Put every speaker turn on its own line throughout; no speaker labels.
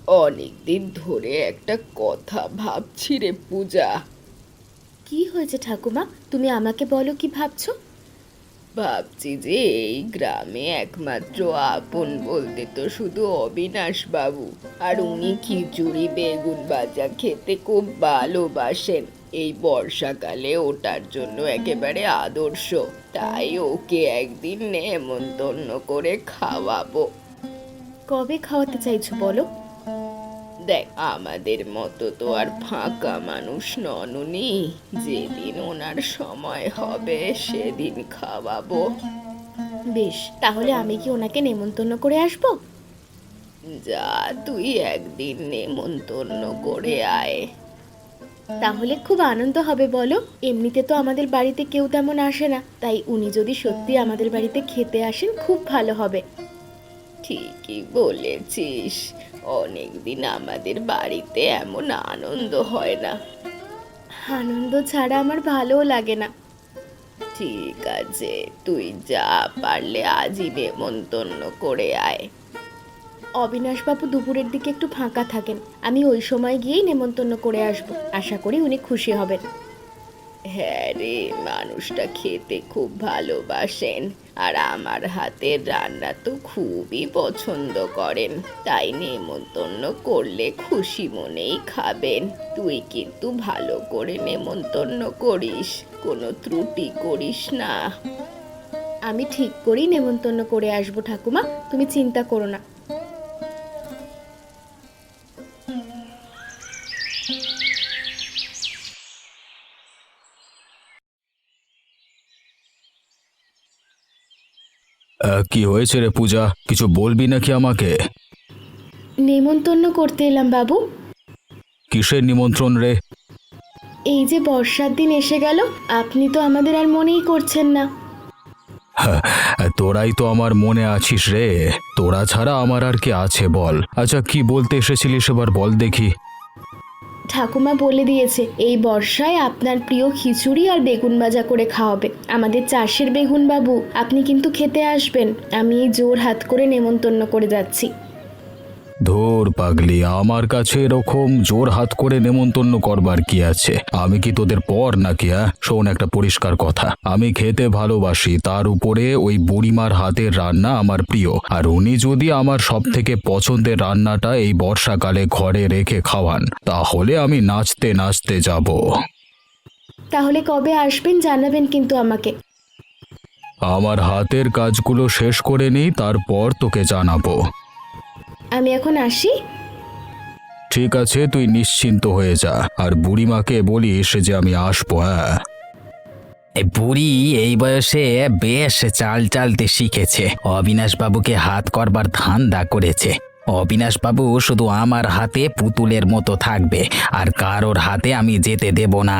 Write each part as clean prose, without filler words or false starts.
অনেকদিন ধরে একটা কথা ভাবছি রে পূজা।
কি হয়েছে ঠাকুমা? তুমি আমাকে বলো, কি ভাবছো?
ভাবছি যে এই গ্রামে একমাত্র আপন বলতে তো শুধু অবিনাশ বাবু, আর উনি খিচুড়ি বেগুন ভাজা খেতে খুব ভালোবাসেন। এই বর্ষাকালে ওটার জন্য একেবারে আদর্শ। তাই ওকে একদিন নেমন্তন্ন করে খাওয়াবো।
কবে খাওয়াতে চাইছো বলো?
দেখ, আমাদের মতো তো আর ফাঁকা মানুষ নন উনি। যেদিন ওনার সময় হবে সেদিন খাওয়াবো।
বেশ, তাহলে আমি কি ওনাকে নেমন্তন্ন করে আসবো?
যা, তুই একদিন নেমন্তন্ন করে আয়।
তাহলে খুব আনন্দ হবে বলো। এমনিতে তো আমাদের বাড়িতে কেউ তেমন আসে না, তাই উনি যদি সত্যি আমাদের বাড়িতে খেতে আসেন খুব ভালো হবে।
ঠিকই বলেছিস, অনেকদিন আমাদের বাড়িতে এমন আনন্দ হয় না।
আনন্দ ছাড়া আমার ভালোও লাগে না।
ঠিক আছে, তুই যা, পারলে আজই নেমন্তন্ন করে আয়।
অবিনাশবাবু দুপুরের দিকে একটু ফাঁকা থাকেন, আমি ওই সময় গিয়েই নেমন্তন্ন করে আসবো। আশা করি উনি খুশি হবেন।
হ্যাঁ রে, মানুষটা খেতে খুব ভালোবাসেন, আর আমার হাতের রান্না তো খুবই পছন্দ করেন। তাই নেমন্তন্ন করলে খুশি মনেই খাবেন। তুই কিন্তু ভালো করে নেমন্তন্ন করিস, কোনো ত্রুটি করিস না।
আমি ঠিক করেই নেমন্তন্ন করে আসবো ঠাকুমা, তুমি চিন্তা করো না।
কি হয়েছে রে পূজা? কিছু বলবি নাকি আমাকে?
নেমন্তন্ন করতে এলাম বাবু।
কিসের নিমন্ত্রণ রে?
এই যে বর্ষার দিন এসে গেল, আপনি তো আমাদের আর মনেই করছেন না।
হ্যাঁ, তোরাই তো আমার মনে আছিস রে। তোরা ছাড়া আমার আর কে আছে বল? আচ্ছা, কি বলতে এসেছিলিস এবার বল দেখি।
ঠাকুমা বলে দিয়েছে এই বর্ষায় আপনার প্রিয় খিচুড়ি আর বেগুন ভাজা করে খাওয়াবে। আমাদের চাষের বেগুন বাবু, আপনি কিন্তু খেতে আসবেন। আমি এই জোর হাত করে নেমন্তন্ন করে যাচ্ছি।
ধুর পাগলি, আমার কাছে এরকম জোর হাত করে নেমন্তন্ন করবার কি আছে? আমি কি তোদের পর নাকি? শোন, একটা পরিষ্কার কথা, আমি খেতে ভালোবাসি, তার উপরে ওই বুড়িমার হাতের রান্না আমার প্রিয়। আর উনি যদি আমার সব থেকে পছন্দের রান্নাটা এই বর্ষাকালে ঘরে রেখে খাওয়ান, তাহলে আমি নাচতে নাচতে যাব।
তাহলে কবে আসবেন জানাবেন কিন্তু আমাকে।
আমার হাতের কাজগুলো শেষ করে নিই, তারপর তোকে জানাবো।
আমি এখন আসি।
ঠিক আছে, তুই নিশ্চিন্ত হয়ে যা, আর বুড়িমাকে বলিস যে আমি আসবো। হ্যাঁ,
এই বুড়ি এই বয়সে বেশ চাল চালতে শিখেছে। অবিনাশ বাবুকে হাত করবার ধান্দা করেছে। অবিনাশ বাবু শুধু আমার হাতে পুতুলের মতো থাকবে, আর কারোর হাতে আমি যেতে দেব না।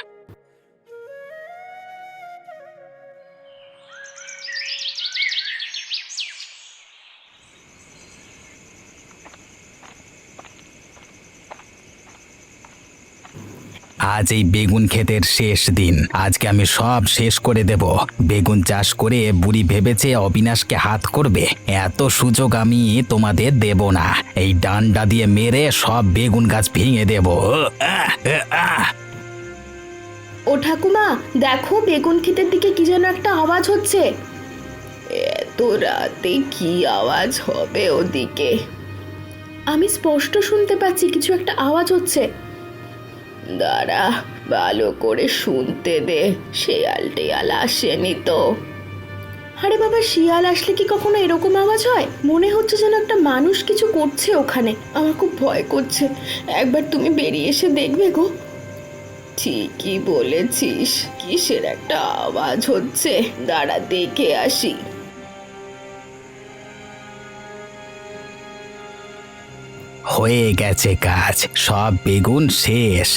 আজ এই বেগুন ক্ষেতের শেষ দিন, আজকে আমি সব শেষ করে দেব। বেগুন চাষ করে বুড়ি ভেবেছে অবিনাশকে হাত করবে। এত সুযোগ আমি তোমাদের দেব না। এই ডান্ডা দিয়ে মেরে সব বেগুন গাছ ভেঙে দেব। আহ, আহ।
ও ঠাকুমা, দেখো বেগুন ক্ষেতের দিকে কি যেন একটা আওয়াজ হচ্ছে।
এত রাতে কি আওয়াজ হবে ওদিকে?
আমি স্পষ্ট শুনতে পাচ্ছি কিছু একটা আওয়াজ হচ্ছে।
দাঁড়া, ভালো করে শুনতে দে, শেয়াল টেয়াল আসেনি তো?
আরে বাবা, শিয়াল আসলে কি কখনো এরকম আওয়াজ হয়? মনে হচ্ছে যেন একটা মানুষ কিছু করছে ওখানে। আমার খুব ভয় করছে, একবার তুমি বেরিয়ে এসে দেখবে গো।
ঠিকই বলেছিস, কিসের একটা আওয়াজ হচ্ছে, দাঁড়া দেখে আসি।
হয়ে গেছে কাজ, সব বেগুন শেষ।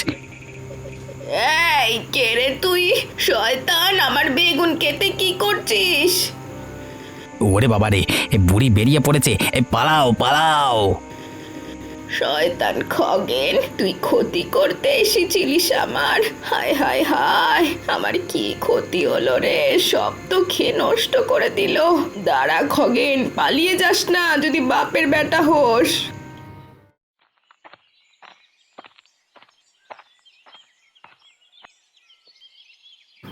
এই কে রে তুই? শয়তান, আমার বেগুন খেতে কি করছিস?
ওরে বাবা রে, এ বুড়ি বেরিয়ে পড়েছে। এ পালাও পালাও।
শয়তান খগেন, তুই ক্ষতি করতে এসেছিলিস আমার। হায় হায় হায়, আমার কি ক্ষতি হলো রে? সব তো খেয়ে নষ্ট করে দিল। দাঁড়া খগেন, পালিয়ে যাস না যদি বাপের বেটা হোস।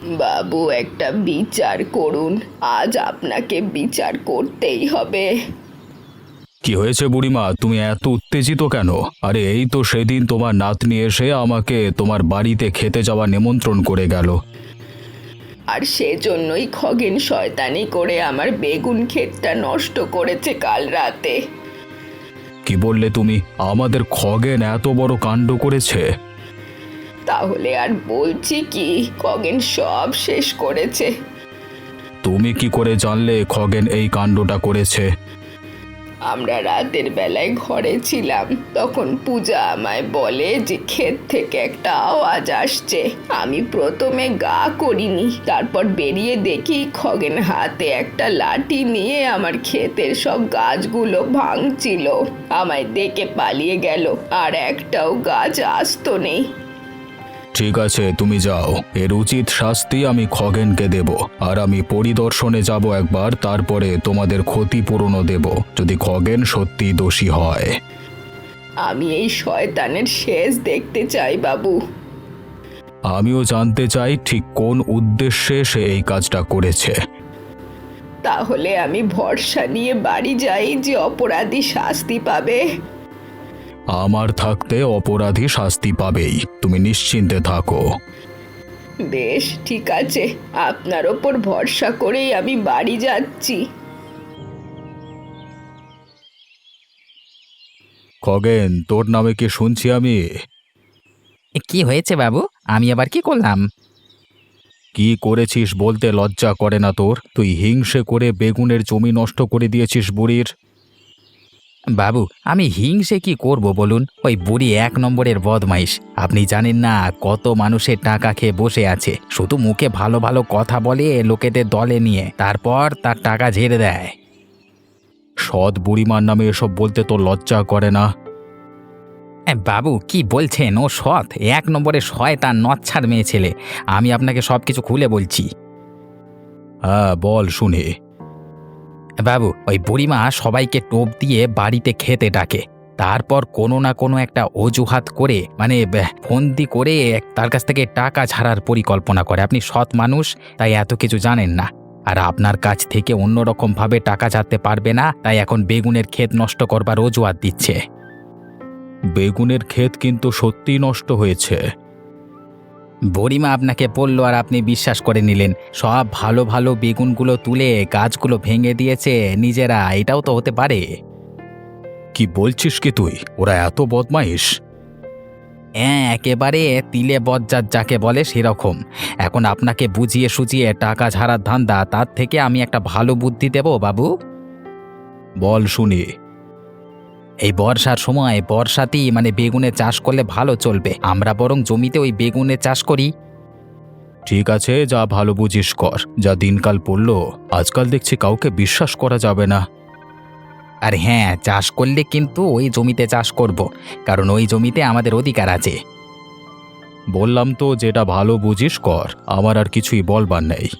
বাবু, একটা বিচার করুন, আজ আপনাকে বিচার করতেই হবে।
কি হয়েছে বুড়িমা, তুমি এত উত্তেজিত কেন? আরে এই তো সেদিন তোমার নাতনি এসে আমাকে তোমার বাড়িতে খেতে যাওয়া নিমন্ত্রণ করে গেল।
আর সেজন্যই খগেন শয়তানি করে আমার বেগুন ক্ষেতটা নষ্ট করেছে কাল রাতে।
কি বললে তুমি? আমাদের খগেন এত বড় কাণ্ড করেছে?
তাহলে আর বলছি কি, খগেন সব শেষ করেছে।
তুমি কি করে জানলে খগেন এই কাণ্ডটা করেছে?
আমরা রাতের বেলায় ঘরে ছিলাম, তখন পূজা আমায় বলে যে ক্ষেত থেকে একটা আওয়াজ আসছে। আমি প্রথমে গা করিনি, তারপর বেরিয়ে দেখি খগেন হাতে একটা লাঠি নিয়ে আমার ক্ষেতের সব গাছগুলো ভাঙছিল। আমায় দেখে পালিয়ে গেল, আর একটাও গাছ আস্ত নেই।
ঠিক আছে, তুমি যাও, এর উচিত শাস্তি আমি খগেনকে দেব। আর আমি পরিদর্শনে যাব একবার, তারপরে তোমাদের ক্ষতিপূরণও দেব যদি খগেন সত্যি দোষী হয়।
আমি এই শয়তানের শেষ দেখতে চাই বাবু।
আমিও জানতে চাই ঠিক কোন উদ্দেশ্যে সে এই কাজটা করেছে।
তাহলে আমি ভরসা নিয়ে বাড়ি যাই যে অপরাধী শাস্তি পাবে।
আমার থাকতে অপরাধী শাস্তি পাবেই, তুমি নিশ্চিন্তে থাকো।
বেশ, ঠিক আছে, আপনার ওপর ভরসা করেই আমি বাড়ি যাচ্ছি।
খগেন, তোর নামে কি শুনছি আমি?
কি হয়েছে বাবু? আমি আবার কি করলাম?
কি করেছিস বলতে লজ্জা করে না তোর? তুই হিংসে করে বেগুনের জমি নষ্ট করে দিয়েছিস বুড়ির।
বাবু, আমি হিংসে কি করব বলুন? ওই বুড়ি এক নম্বরের বদমাইশ। আপনি জানেন না কত মানুষের টাকা খেয়ে বসে আছে, শুধু মুখে ভালো ভালো কথা বলে লোকেদের দলে নিয়ে, তারপর তার টাকা ঝেড়ে দেয়।
সৎ বুড়িমার নামে এসব বলতে তোর লজ্জা করে না?
বাবু কি বলছেন? ও সৎ, এক নম্বরের শয়তান, নচ্ছার মেয়ে ছেলে। আমি আপনাকে সব কিছু খুলে বলছি।
হ্যাঁ, বল শুনি।
বাবু, ওই বুড়িমা সবাইকে টোপ দিয়ে বাড়িতে খেতে ডাকে, তারপর কোনো না কোনো একটা অজুহাত করে ফন্দি করে তার কাছ থেকে টাকা ছাড়ার পরিকল্পনা করে। আপনি সৎ মানুষ, তাই এত কিছু জানেন না। আর আপনার কাছ থেকে অন্যরকম ভাবে টাকা ছাড়তে পারবে না, তাই এখন বেগুনের ক্ষেত নষ্ট করবার অজুহাত দিচ্ছে।
বেগুনের ক্ষেত কিন্তু সত্যিই নষ্ট হয়েছে।
বুড়িমা আপনাকে বললো আর আপনি বিশ্বাস করে নিলেন। সব ভালো ভালো বেগুনগুলো তুলে গাছগুলো ভেঙে দিয়েছে নিজেরা। এটাও তো হতে পারে।
কি বলছিস কি তুই? ওরা এত বদমাইশ?
হ্যাঁ, একেবারে তিলে বজ্জাত যাকে বলে সেরকম। এখন আপনাকে বুঝিয়ে সুঝিয়ে টাকা ঝাড়ার ধান্দা, তার থেকে আমি একটা ভালো বুদ্ধি দেব বাবু।
বল শুনি।
এই বর্ষার সময় বর্ষাতেই বেগুনে চাষ করলে ভালো চলবে। আমরা বরং জমিতে ওই বেগুনে চাষ করি।
ঠিক আছে, যা ভালো বুঝিস কর। যা দিনকাল পড়ল, আজকাল দেখছি কাউকে বিশ্বাস করা যাবে না।
আর হ্যাঁ, চাষ করলে কিন্তু ওই জমিতে চাষ করব, কারণ ওই জমিতে আমাদের অধিকার আছে।
বললাম তো, যেটা ভালো বুঝিস কর, আমার আর কিছুই বলবার নেই।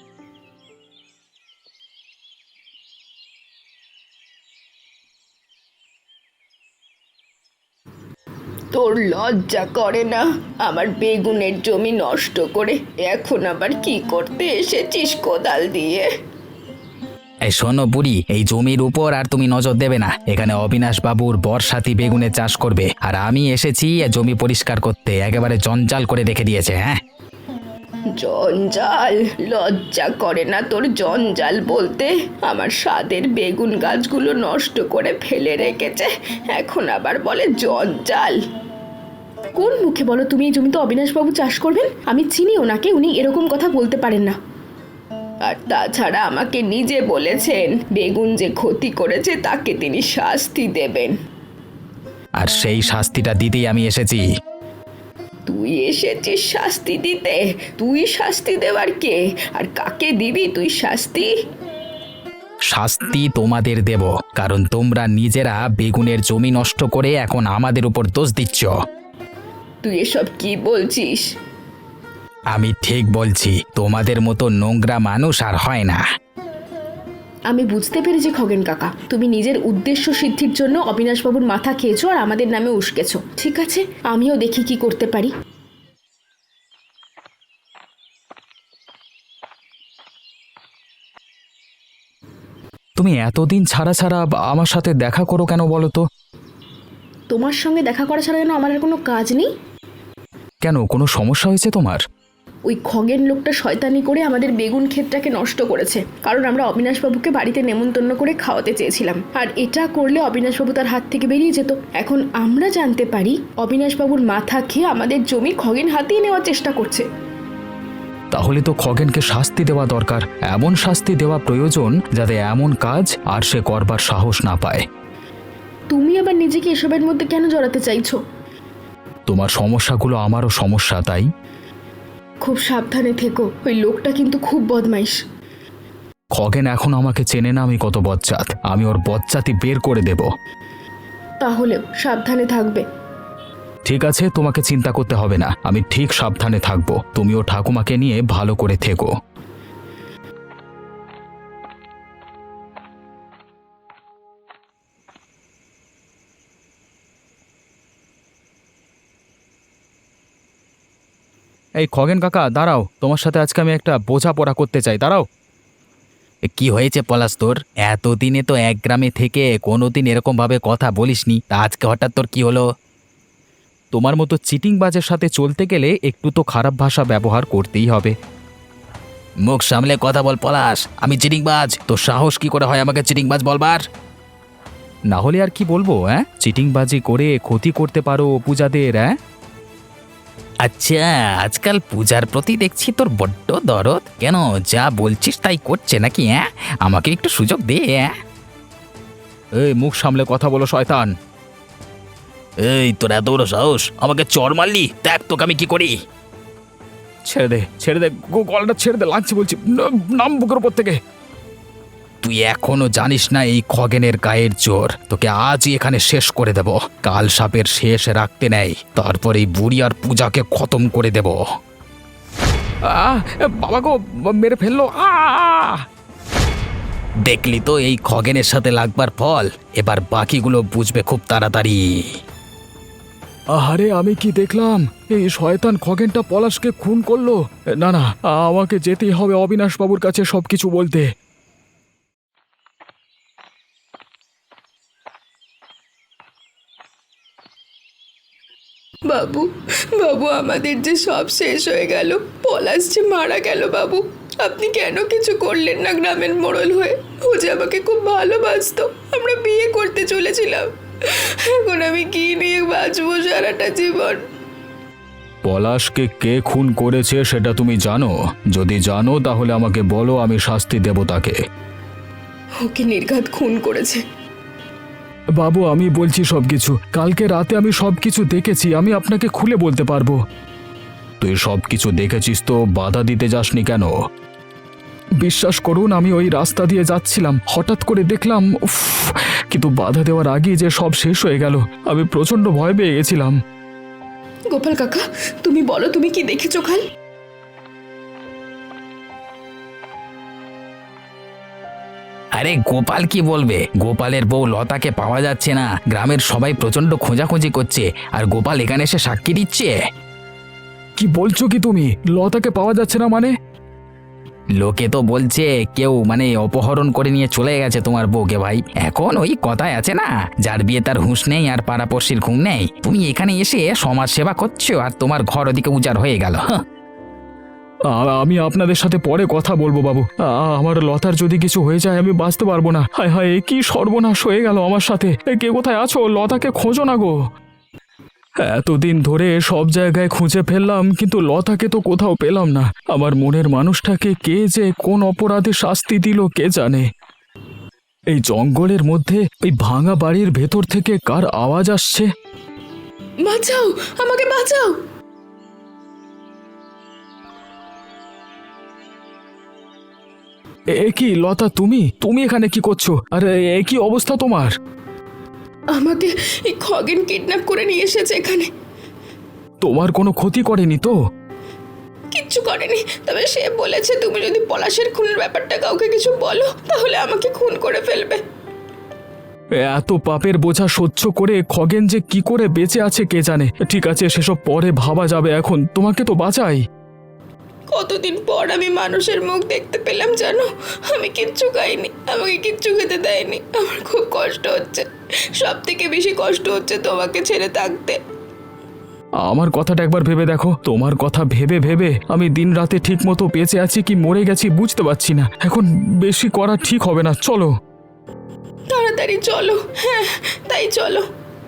তোর লজ্জা করে না? আমার বেগুনের জমি নষ্ট করে এখন আবার কি করতে এসেছিস কোদাল দিয়ে?
এই শোনো বুড়ি, এই জমির উপর আর তুমি নজর দেবে না। এখানে অবিনাশ বাবুর বর্ষাতি বেগুনে চাষ করবে, আর আমি এসেছি জমি পরিষ্কার করতে। একেবারে জঞ্জাল করে রেখে দিয়েছে। হ্যাঁ,
জঞ্জাল? লজ্জা করে না তোর জঞ্জাল বলতে? আমার স্বাদের বেগুন গাছগুলো নষ্ট করে ফেলে রেখেছে, এখন আবার বলে জঞ্জাল।
কোন মুখে বলো তুমি এই জমিতে অবিনাশবাবু চাষ করবেন? আমি চিনি ওনাকে, উনি এরকম কথা বলতে পারেন না।
আর তাছাড়া আমাকে নিজে বলেছেন বেগুন যে ক্ষতি করেছে তাকে তিনি শাস্তি দেবেন।
আর সেই শাস্তিটা দিতেই আমি এসেছি।
তুই এসেছিস শাস্তি দিতে? তুই শাস্তি দেওয়ার কে? আর কাকে দিবি তুই শাস্তি?
শাস্তি তোমাদের দেব, কারণ তোমরা নিজেরা বেগুনের জমি নষ্ট করে এখন আমাদের উপর দোষ দিচ্ছ।
তুই এসব কি বলছিস?
আমি ঠিক বলছি, তোমাদের মতো নোংরা মানুষ আর হয় না।
আমি বুঝতে পেরেছি খগেন কাকা, তুমি নিজের উদ্দেশ্য সিদ্ধির জন্য অবিনাশবাবুর মাথা খেয়েছো আর আমাদের নামে উস্কেছো। ঠিক আছে, আমিও দেখি কি করতে পারি।
তুমি এতদিন ছাড়া ছাড়া আমার সাথে দেখা করো কেন বলো তো?
তোমার সঙ্গে দেখা করা ছাড়া যেন আমার আর কোনো কাজ নেই।
কেন, কোনো সমস্যা হয়েছে তোমার?
ওই খগেন লোকটা শয়তানি করে আমাদের বেগুন ক্ষেতটাকে নষ্ট করেছে, কারণ আমরা অবিনাশবাবুকে বাড়িতে নেমন্তন্ন করে খাওয়াতে চেয়েছিলাম, আর এটা করলে অবিনাশবাবু তার হাত থেকে বেরিয়ে যেত। এখন আমরা জানতে পারি অবিনাশবাবুর মাথা খেয়ে আমাদের জমি খগেন হাতিয়ে নেওয়ার চেষ্টা করছে।
তাহলে তো খগেনকে শাস্তি দেওয়া দরকার, এমন শাস্তি দেওয়া প্রয়োজন যাতে এমন কাজ আর সে করবার সাহস না পায়।
তুমি আবার নিজেকে এসবের মধ্যে কেন জড়াতে চাইছো?
তোমার সমস্যাগুলো আমারও সমস্যা, তাই?
খুব সাবধানে থেকো, ওই লোকটা কিন্তু খুব বদমাইশ।
খগেন এখন আমাকে চেনে না আমি কত বজ্জাত, আমি ওর বজ্জাতি বের করে দেব।
তাহলেও সাবধানে থাকবে।
ঠিক আছে, তোমাকে চিন্তা করতে হবে না, আমি ঠিক সাবধানে থাকবো। তুমিও ঠাকুমাকে নিয়ে ভালো করে থেকো। এই খগেন কাকা দাঁড়াও, তোমার সাথে আজকে আমি একটা বোঝাপড়া করতে চাই, দাঁড়াও।
কি হয়েছে পলাশ তোর? এতদিনে তো এক গ্রামে থেকে কোনোদিন এরকমভাবে কথা বলিসনি, তা আজকে হঠাৎ তোর কি হলো?
তোমার মতো চিটিংবাজের সাথে চলতে গেলে একটু তো খারাপ ভাষা ব্যবহার করতেই হবে।
মুখ সামলে কথা বল পলাশ, আমি চিটিংবাজ? তোর সাহস কি করে হয় আমাকে চিটিংবাজ বলবার?
না হলে আর কি বলবো? চিটিংবাজি করে ক্ষতি করতে পারো পূজাদের।
আচ্ছা, আজকাল পূজার প্রতি দেখছি তোর বড্ড দরদ। কেন, যা বলছিস তাই করছে নাকি? আমাকে একটু সুযোগ দে।
এই মুখ সামলে কথা বলো শয়তান।
এই তোর এত বড় সাহস, আমাকে চড় মারলি? দেখ তোকে আমি কি করি।
ছেড়ে দে, ছেড়ে দে, গলাটা ছেড়ে দে, লাগছে বলছি, নাম বুকের উপর থেকে।
তুই এখনো জানিস না এই খগেনের গায়ের জোর? তোকে আজই এখানে শেষ করে দেব। কাল সাপের শেষ রাখতে নেই, তারপর এই বুড়ি আর পূজাকে খতম করে দেব।
বাবা গো, মেরে ফেললো।
দেখলি তো এই খগেনের সাথে লাগবার ফল? এবার বাকিগুলো বুঝবে খুব তাড়াতাড়ি।
আরে আমি কি দেখলাম, এই শয়তান খগেনটা পলাশকে খুন করলো। না না, আমাকে যেতেই হবে অবিনাশ বাবুর কাছে সবকিছু বলতে।
বাবু, বাবু, আমাদের যে সব শেষ হয়ে গেল, পলাশ যে মারা গেল। বাবু, আপনি কেন কিছু করলেন না গ্রামের মোড়ল হয়ে? ও যে আমাকে খুব ভালোবাসতো, আমরা বিয়ে করতে চলেছিলাম। এখন আমি কি নিয়ে বাঁচবো সারাটা জীবন?
পলাশকে কে খুন করেছে সেটা তুমি জানো? যদি জানো তাহলে আমাকে বলো, আমি শাস্তি দেব তাকে।
ওকে নির্ঘাত খুন করেছে।
বাবু আমি বলছি সবকিছু, কালকে রাতে আমি সবকিছু দেখেছি, আমি আপনাকে খুলে বলতে পারবো। তুই সবকিছু দেখেছিস তো বাধা দিতে যাসনি কেন? বিশ্বাস করুন, আমি ওই রাস্তা দিয়ে যাচ্ছিলাম, হঠাৎ করে দেখলাম, উফ, কিন্তু বাধা দেওয়ার আগেই যে সব শেষ হয়ে গেল। আমি প্রচন্ড ভয় পেয়ে গেছিলাম।
গোপাল কাকা, তুমি বলো, তুমি কি দেখেছো কাল?
আরে গোপাল কি বলবে? গোপালের বউ লতাকে পাওয়া যাচ্ছে না, গ্রামের সবাই প্রচন্ড খোঁজাখুঁজি করছে, আর গোপাল এখানে এসে সাক্ষী দিচ্ছে।
কি বলছো কি তুমি? লতাকে পাওয়া যাচ্ছে না মানে?
লোকে তো বলছে কেউ অপহরণ করে নিয়ে চলে গেছে তোমার বউকে। ভাই, এখন ওই কথায় আছে না, যার বিয়ে তার হুঁশ নেই আর পাড়াপড়শির ঘুম নেই। তুমি এখানে এসে সমাজ সেবা করছো আর তোমার ঘর ওদিকে উজাড় হয়ে গেল।
আমি আপনাদের সাথে পরে কথা বলবো বাবু। আমার লতার যদি কিছু হয়ে যায় আমি বাঁচতে পারবো না। হায় হায়, কি সর্বনাশ হয়ে গেল আমার সাথে। কে কোথায় আছো? লতাকে খোঁজো না গো। এতদিন ধরে সব জায়গায় খুঁজে ফেললাম, কিন্তু লতাকে তো কোথাও পেলাম না। আমার মনের মানুষটাকে কে যে কোন অপরাধে শাস্তি দিল কে জানে। এই জঙ্গলের মধ্যে ওই ভাঙা বাড়ির ভেতর থেকে কার আওয়াজ আসছে?
বাঁচাও, আমাকে বাঁচাও।
এ কি লতা, তুমি তুমি এখানে কি করছো? আরে এ কি অবস্থা তোমার?
আমাকে এই খগেন কিডন্যাপ করে নিয়ে এসেছে এখানে।
তোমার কোনো ক্ষতি করেনি তো?
কিচ্ছু করেনি, তবে সে বলেছে তুমি যদি পলাশের খুনের ব্যাপারটা কাউকে কিছু বলো তাহলে আমাকে খুন করে ফেলবে।
এত পাপের বোঝা সহ্য করে খগেন যে কি করে বেঁচে আছে কে জানে। ঠিক আছে, সেসব পরে ভাবা যাবে, এখন তোমাকে তো বাঁচাই।
কতদিন পর আমি মানুষের মুখ দেখতে পেলাম জানো। আমি কিচ্ছু খাইনি, আমাকে কিচ্ছু খেতে দেয়নি। আমার খুব কষ্ট হচ্ছে, সব থেকে বেশি কষ্ট হচ্ছে তোমাকে ছেড়ে থাকতে।
আমার কথাটা একবার ভেবে দেখো। তোমার কথা ভেবে ভেবে আমি দিন রাতে ঠিক মতো বেঁচে আছি কি মরে গেছি বুঝতে পারছি না। এখন বেশি করা ঠিক হবে না, চলো।
তাড়াতাড়ি চলো। হ্যাঁ, তাই চলো।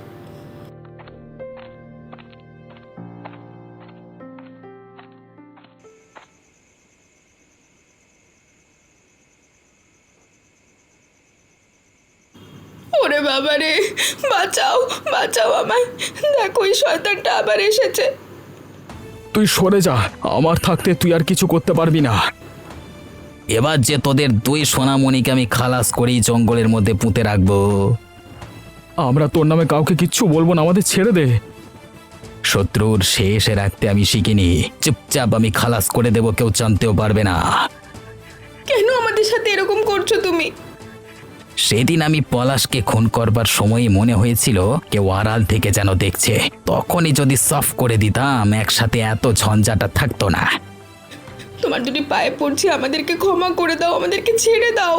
ওরে বাবা রে, বাঁচাও বাঁচাও আমায়, দেখো ওই শয়তানটা আবার এসেছে।
তুই সরে যা, আমার থাকতে তুই আর কিছু করতে পারবি না।
এবার যে তোদের দুই সোনামণিকে আমি খালাস করেই জঙ্গলের মধ্যে পুঁতে রাখবো।
আমরা তোর নামে কাউকে কিচ্ছু বলবো না, আমাদের ছেড়ে দে।
শত্রুর শেষে রাখতে আমি শিখিনি, চুপচাপ আমি খালাস করে দেবো, কেউ জানতেও পারবে না।
কেন আমাদের সাথে এরকম করছো তুমি?
সেদিন আমি পলাশকে খুন করবার সময়ই মনে হয়েছিল কেউ আড়াল থেকে যেন দেখছে। তখনই যদি সফ করে দিতাম একসাথে এত ঝঞ্ঝাটা থাকতো না।
তোমার দুটি পায়ে পড়ছি, আমাদেরকে ক্ষমা করে দাও, আমাদেরকে ছেড়ে দাও।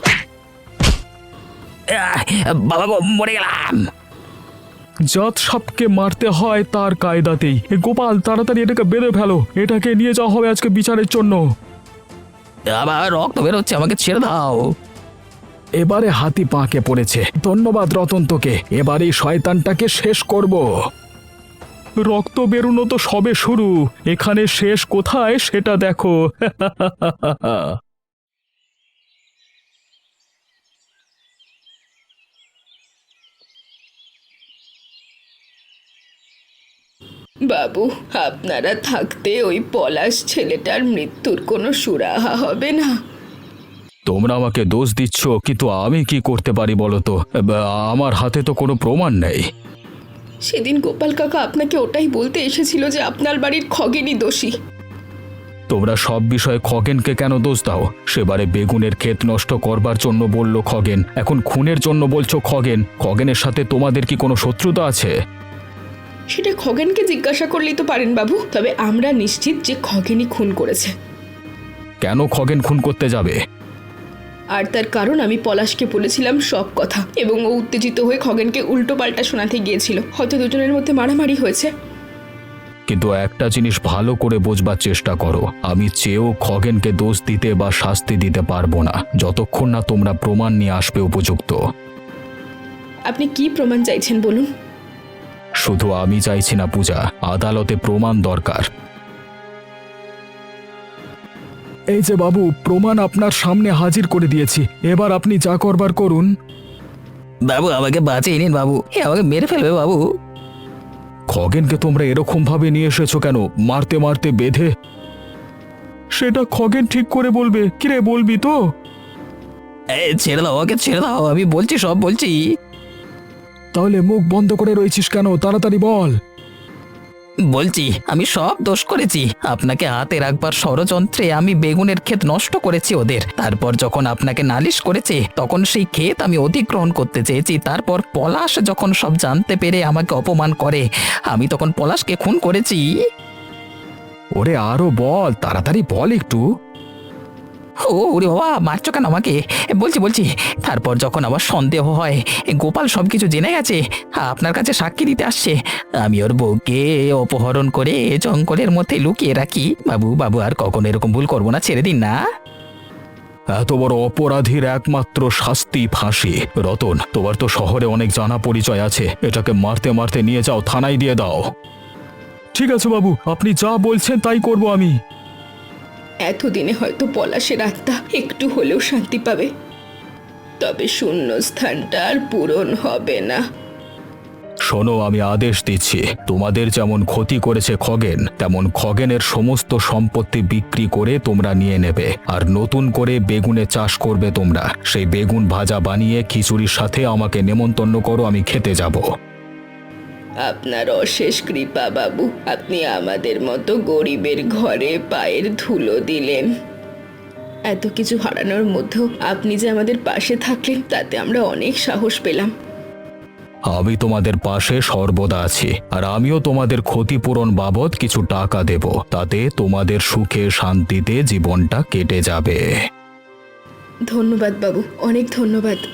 বাবা গো, মরে গেলাম।
জাত সাপকে মারতে হয় তার কায়দাতেই। এ গোপাল, তাড়াতাড়ি এটাকে বেঁধে ফেলো, এটাকে নিয়ে যাওয়া হবে আজকে বিচারের জন্য।
আবার রক্ত বেরোচ্ছে, আমাকে ছেড়ে দাও।
এবারে হাতি পাঁকে পড়েছে। ধন্যবাদ রতন তোকে, এবারে শয়তানটাকে শেষ করব। রক্ত বেরোনো তো সবে শুরু, এখানে শেষ কোথায় সেটা দেখো।
বাবু, আপনারা থাকতে ওই পলাশ ছেলেটার মৃত্যুর কোনো সুরাহা হবে না।
তোমরা আমাকে দোষ দিচ্ছ, কিন্তু আমি কি করতে পারি বলো তো? আমার হাতে তো কোনো প্রমাণ নেই।
সেদিন গোপাল কাকা আপনাকে ওটাই বলতে এসেছিল যে আপনার বাড়ির খগেনই দোষী।
তোমরা সব বিষয়ে খগেনকে কেন দোষ দাও? সেবারে বেগুনের ক্ষেত নষ্ট করবার জন্য বলল খগেন, এখন খুনের জন্য বলছো খগেন। খগেনের সাথে তোমাদের কি কোনো শত্রুতা আছে?
সেটা খগেনকে জিজ্ঞাসা করলেই তো পারেন বাবু, তবে আমরা নিশ্চিত যে খগেনই খুন করেছে।
কেন খগেন খুন করতে যাবে?
আর তার কারণ আমি পলাশকে বলেছিলাম সব কথা, এবং ও উত্তেজিত হয়ে খগেনকে উল্টো পাল্টা শোনাতে গিয়েছিল। হয়তো দুজনের মধ্যে মারামারি হয়েছে।
কিন্তু একটা জিনিস ভালো করে বোঝবার চেষ্টা করো, আমি চেয়েও খগেনকে দোষ দিতে বা শাস্তি দিতে পারবো না যতক্ষণ না তোমরা প্রমাণ নিয়ে আসবে উপযুক্ত।
আপনি কি প্রমাণ চাইছেন বলুন?
শুধু আমি চাইছি না পূজা, আদালতে প্রমাণ দরকার। এই যে বাবু, প্রমাণ আপনার সামনে হাজির করে দিয়েছি, এবার আপনি যা করবার করুন।
বাবু আমাকে বাঁচিয়ে নিন বাবু, আমাকে মেরে ফেলবে বাবু।
খগেনকে তোমরা এরকম ভাবে নিয়ে এসেছো কেন, মারতে মারতে বেঁধে? সেটা খগেন ঠিক করে বলবে। কিরে, বলবি তো?
ছেড়ে দাও, আমাকে ছেড়ে দাও, আমি বলছি, সব বলছি।
তাহলে মুখ বন্ধ করে রয়েছিস কেন, তাড়াতাড়ি বল।
বলছি, আমি সব দোষ করেছি। আপনাকে হাতে রাখবার ষড়যন্ত্রে আমি বেগুনের ক্ষেত নষ্ট করেছি ওদের। তারপর যখন আপনাকে নালিশ করেছে তখন সেই ক্ষেত আমি অধিগ্রহণ করতে চেয়েছি। তারপর পলাশ যখন সব জানতে পেরে আমাকে অপমান করে, আমি তখন পলাশকে খুন করেছি।
ওরে আরো বল, তাড়াতাড়ি বল একটু।
ওরে বাবা, মারছো কেন আমাকে? বলছি। তারপর যখন আমার সন্দেহ হয় গোপাল সবকিছু জেনে গেছে, আপনার কাছে সাক্ষী দিতে আসছে, আমি ওর বউকে অপহরণ করে জঙ্গলের মধ্যে লুকিয়ে রাখি। বাবু আর কখনো এরকম ভুল করবো না, ছেড়ে দিন না।
এত বড় অপরাধীর একমাত্র শাস্তি ফাঁসি। রতন, তোমার তো শহরে অনেক জানা পরিচয় আছে, এটাকে মারতে মারতে নিয়ে যাও, থানায় দিয়ে দাও। ঠিক আছে বাবু, আপনি যা বলছেন তাই করব আমি।
এতদিনে হয়তো পলাশের আত্মা একটু হলেও শান্তি পাবে, তবে শূন্য স্থানটা আর পূরণ হবে না।
শোনো, আমি আদেশ দিচ্ছি, তোমাদের যেমন ক্ষতি করেছে খগেন, তেমন খগেনের সমস্ত সম্পত্তি বিক্রি করে তোমরা নিয়ে নেবে, আর নতুন করে বেগুনে চাষ করবে তোমরা। সেই বেগুন ভাজা বানিয়ে খিচুড়ির সাথে আমাকে নেমন্তন্ন করো, আমি খেতে যাব।
আপনার অশেষ কৃপা বাবু, আপনি আমাদের মতো গরিবের ঘরে পায়ের ধুলো দিলেন। এত কিছু হারানোর মধ্যেও আপনি যে আমাদের পাশে থাকলেন, তাতে আমরা অনেক সাহস পেলাম।
আমি তোমাদের পাশে সর্বদা আছি, আর আমিও তোমাদের ক্ষতিপূরণ বাবদ কিছু টাকা দেব, তাতে তোমাদের সুখে শান্তিতে জীবনটা কেটে যাবে।
ধন্যবাদ বাবু, অনেক ধন্যবাদ।